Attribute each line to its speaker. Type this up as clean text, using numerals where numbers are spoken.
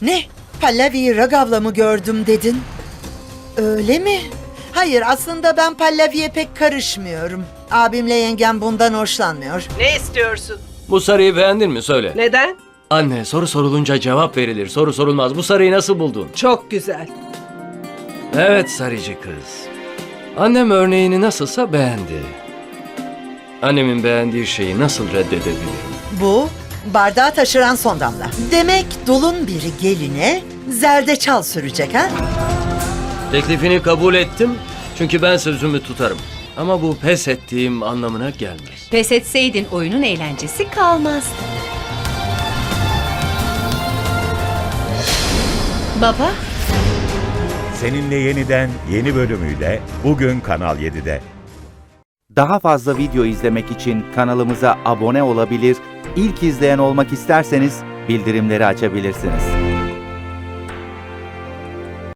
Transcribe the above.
Speaker 1: Ne? Pallavi'yi Ragav'la mı gördüm dedin? Öyle mi? Hayır, aslında ben Pallavi'ye pek karışmıyorum. Abimle yengem bundan hoşlanmıyor.
Speaker 2: Ne istiyorsun?
Speaker 3: Bu sarıyı beğendin mi? Söyle.
Speaker 2: Neden?
Speaker 3: Anne, soru sorulunca cevap verilir. Soru sorulmaz. Bu sarıyı nasıl buldun?
Speaker 2: Çok güzel.
Speaker 3: Evet sarıcı kız. Annem örneğini nasılsa beğendi. Annemin beğendiği şeyi nasıl reddedebilirim?
Speaker 1: Bu, bardağı taşıran son damla. Demek dulun biri geline zerdeçal sürecek ha?
Speaker 3: Teklifini kabul ettim. Çünkü ben sözümü tutarım. Ama bu pes ettiğim anlamına gelmez.
Speaker 4: Pes etseydin oyunun eğlencesi kalmazdı. Baba,
Speaker 5: Seninle Yeniden yeni bölümüyle bugün Kanal 7'de.
Speaker 6: Daha fazla video izlemek için kanalımıza abone olabilir, ilk izleyen olmak isterseniz bildirimleri açabilirsiniz.